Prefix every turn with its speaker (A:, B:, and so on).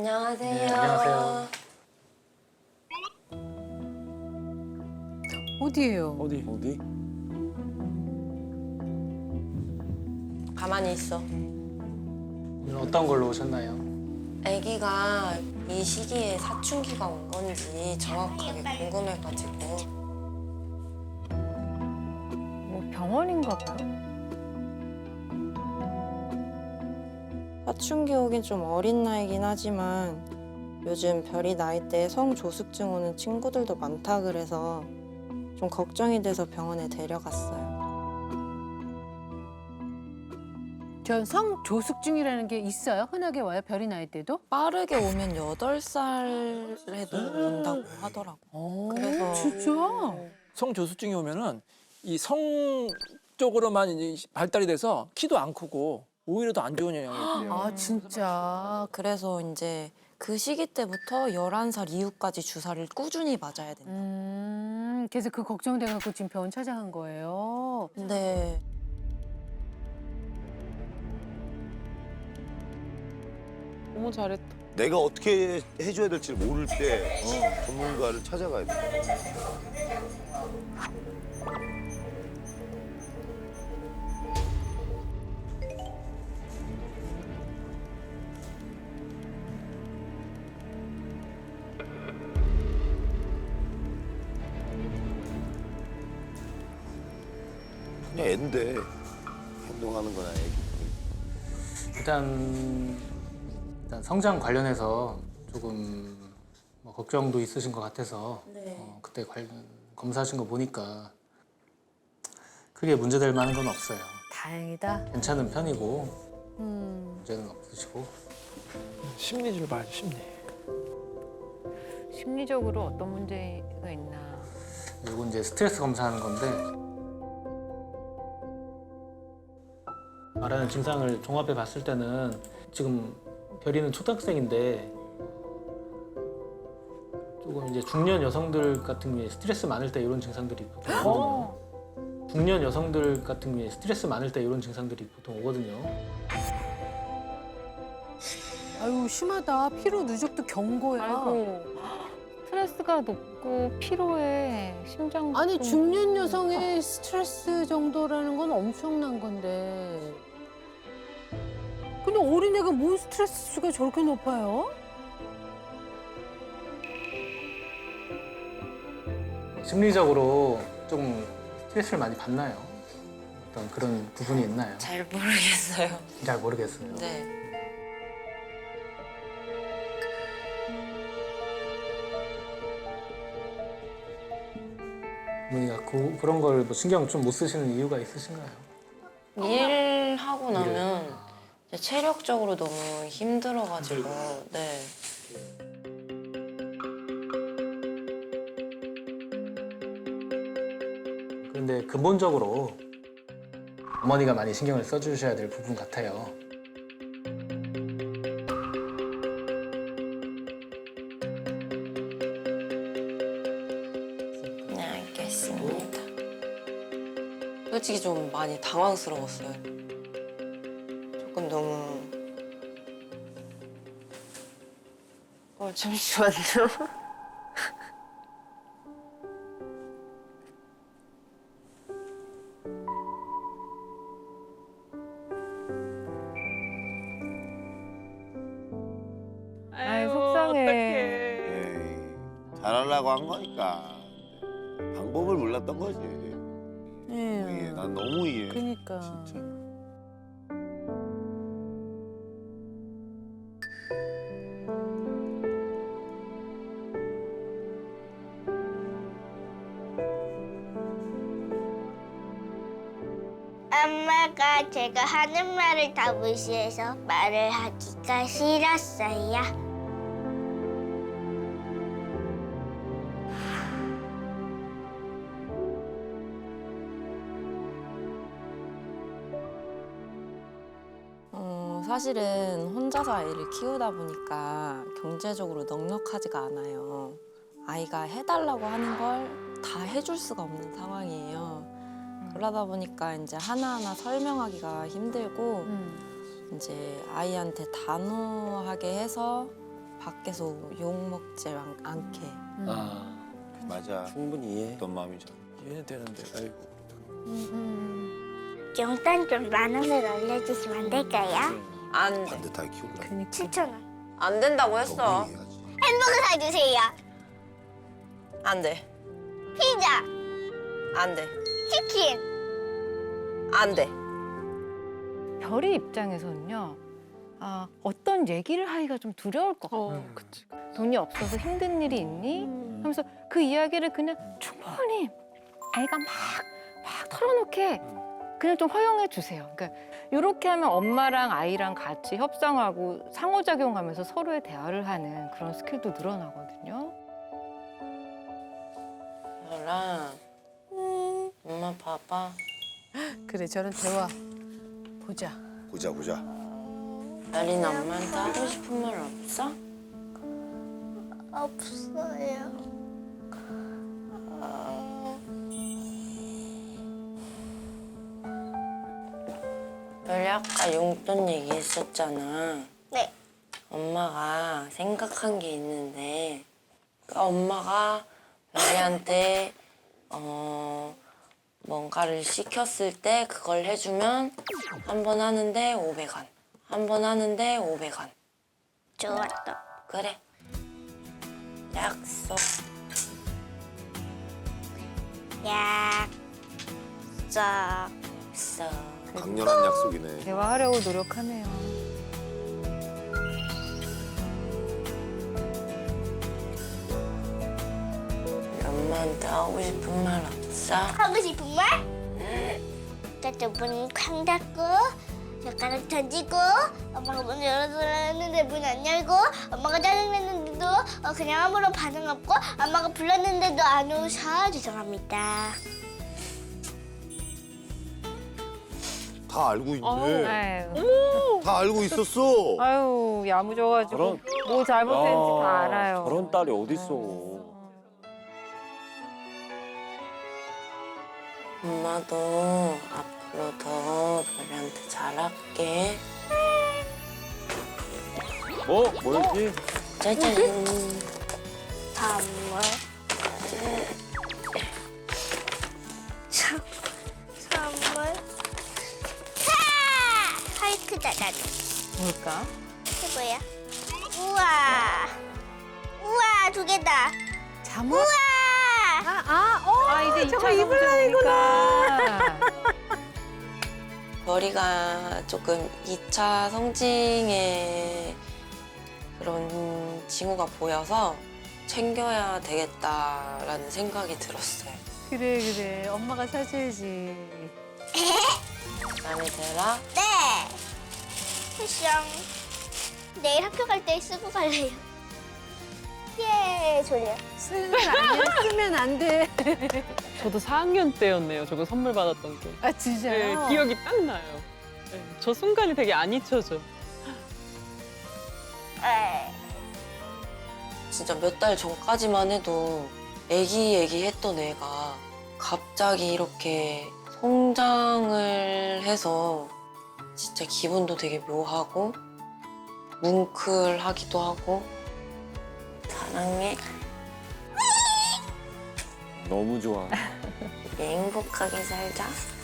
A: 안녕하세요.
B: 네, 안녕하세요.
C: 어디예요?
B: 어디?
A: 가만히 있어.
B: 오늘 어떤 걸로 오셨나요?
A: 아기가 이 시기에 사춘기가 온 건지 정확하게 궁금해가지고.
C: 뭐 병원인가 봐요?
A: 사춘기 오긴 좀 어린 나이긴 하지만 요즘 별이 나이대에 성조숙증 오는 친구들도 많다 그래서 좀 걱정이 돼서 병원에 데려갔어요.
C: 전 성조숙증이라는 게 있어요? 흔하게 와요? 별이 나이 때도?
A: 빠르게 오면 8살에도 온다고 하더라고. 그래서
C: 진짜?
D: 성조숙증이 오면은 이 성 쪽으로만 이제 발달이 돼서 키도 안 크고 오히려 더 안 좋은 영향이 있대요.
C: 아 진짜.
A: 그래서 이제 그 시기 때부터 11살 이후까지 주사를 꾸준히 맞아야 된다.
C: 그래서 그 걱정돼갖고 지금 병원 찾아간 거예요.
A: 근데
E: 너무 잘했다.
F: 내가 어떻게 해줘야 될지 모를 때 전문가를 찾아가야 돼. 그냥 앤데 행동하는 거나 애기.
B: 일단 성장 관련해서 조금 뭐 걱정도 있으신 것 같아서 그때 검사하신 거 보니까 크게 문제될 만한 건 없어요.
C: 다행이다.
B: 괜찮은 편이고 문제는 없으시고.
D: 심리를 봐야죠, 심리.
C: 심리적으로 어떤 문제가 있나.
B: 그리고 이제 스트레스 검사하는 건데 말하는 증상을 종합해 봤을 때는 지금 별이는 초등학생인데 조금 이제 중년 여성들 같은 경우에 스트레스 많을 때 이런 증상들이 보통 오거든요. 중년 여성들 같은 경우에 스트레스 많을 때 이런 증상들이 보통 오거든요.
C: 아유 심하다. 피로 누적도 경고야.
E: 아이고. 스트레스가 높고 피로해. 심장.
C: 아니 중년 여성의 스트레스 정도라는 건 엄청난 건데. 근데 어린애가 뭔 스트레스가 저렇게 높아요?
B: 심리적으로 좀 스트레스를 많이 받나요? 어떤 그런 부분이 있나요?
A: 잘 모르겠어요.
B: 잘 모르겠어요.
A: 네.
B: 어머니가 그런 걸 뭐 신경 좀 못 쓰시는 이유가 있으신가요?
A: 일하고 나면
B: 일을.
A: 이제 체력적으로 너무 힘들어가지고 네.
B: 그런데 근본적으로 어머니가 많이 신경을 써주셔야 될 부분 같아요.
A: 네, 알겠습니다. 솔직히 좀 많이 당황스러웠어요. 조금 너무... 잠시만요.
E: 아이 속상해.
F: 에이, 잘하려고 한 거니까. 방법을 몰랐던 거지. 이해. 난 너무 이해.
C: 그러니까.
F: 진짜.
G: 엄마가 제가 하는 말을 다 무시해서 말을 하기가 싫었어요.
A: 사실은 혼자서 아이를 키우다 보니까 경제적으로 넉넉하지가 않아요. 아이가 해달라고 하는 걸 다 해줄 수가 없는 상황이에요. 그러다 보니까 이제 하나하나 설명하기가 힘들고 이제 아이한테 단호하게 해서 밖에서 욕 먹지 않게.
B: 아,
F: 맞아.
D: 충분히 이해해.
F: 어떤 마음인지.
D: 이해는 되는데. 아이고.
G: 용돈 좀 10,000원을 올려주시면 안 될까요?
A: 안 돼.
F: 반듯하게 키울라.
C: 그니까.
G: 7,000원.
A: 안 된다고 했어.
F: 너무 이해하지.
G: 햄버거 사주세요.
A: 안 돼.
G: 피자,
A: 안 돼.
G: 치킨.
A: 안 돼.
E: 별이 입장에서는요. 아, 어떤 얘기를 하기가 좀 두려울 것 같아요.
D: 그치.
E: 돈이 없어서 힘든 일이 있니? 하면서 그 이야기를 그냥 충분히 아이가 막 털어놓게 그냥 좀 허용해 주세요. 그러니까 이렇게 하면 엄마랑 아이랑 같이 협상하고 상호작용하면서 서로의 대화를 하는 그런 스킬도 늘어나거든요.
A: 별아, 엄마 봐봐.
C: 그래 저런 대화 보자.
F: 보자 보자.
A: 별이는 엄마한테 하고 싶은 말 없어?
G: 없어요.
A: 별이 아까 용돈 얘기했었잖아.
G: 네.
A: 엄마가 생각한 게 있는데 엄마가 별이한테 뭔가를 시켰을 때 그걸 해주면 한 번 하는데 500원. 한 번 하는데 500원.
G: 좋았다.
A: 그래. 약속.
G: 약속.
A: 있어.
F: 강렬한 약속이네.
E: 대화하려고 노력하네요.
A: 엄마한테 하고 싶은 말 없어?
G: 하고 싶은 말? 저쪽 문 쾅 닫고 젓가락 던지고 엄마가 문 열어달라는데 문 안 열고 엄마가 짜증냈는데도 그냥 아무런 반응 없고 엄마가 불렀는데도 안 오셔 죄송합니다.
F: 다 알고 있네.
E: 아유,
F: 다 알고 있었어.
E: 아유 야무져가지고 뭐 잘못했는지 다 알아요.
D: 저런 딸이 어딨어.
A: 엄마도 앞으로 더 별이한테 잘할게.
D: 뭐였지?
A: 짜잔.
G: 선물. 선물. 화이트 자자자.
E: 뭘까?
G: 이게 뭐야? 우와. 우와, 2개다.
C: 잠옷?
G: 우와.
E: 아 이제 저거 입으려니까.
A: 별이가 조금 2차 성징의 그런 징후가 보여서 챙겨야 되겠다라는 생각이 들었어요.
C: 그래 엄마가 사줘야지.
A: 마음에 들어?
G: 네. 쿠션. 내일 학교 갈 때 쓰고 갈래요. 예, 졸려.
C: 쓰면 안 돼.
H: 저도 4학년 때였네요. 저거 선물 받았던 게.
C: 아 진짜요?
H: 네, 기억이 딱 나요. 네, 저 순간이 되게 안 잊혀져.
G: 에.
A: 진짜 몇 달 전까지만 해도 애기 했던 애가 갑자기 이렇게 성장을 해서 진짜 기분도 되게 묘하고 뭉클하기도 하고 사랑해.
D: 너무 좋아.
A: 행복하게 살자.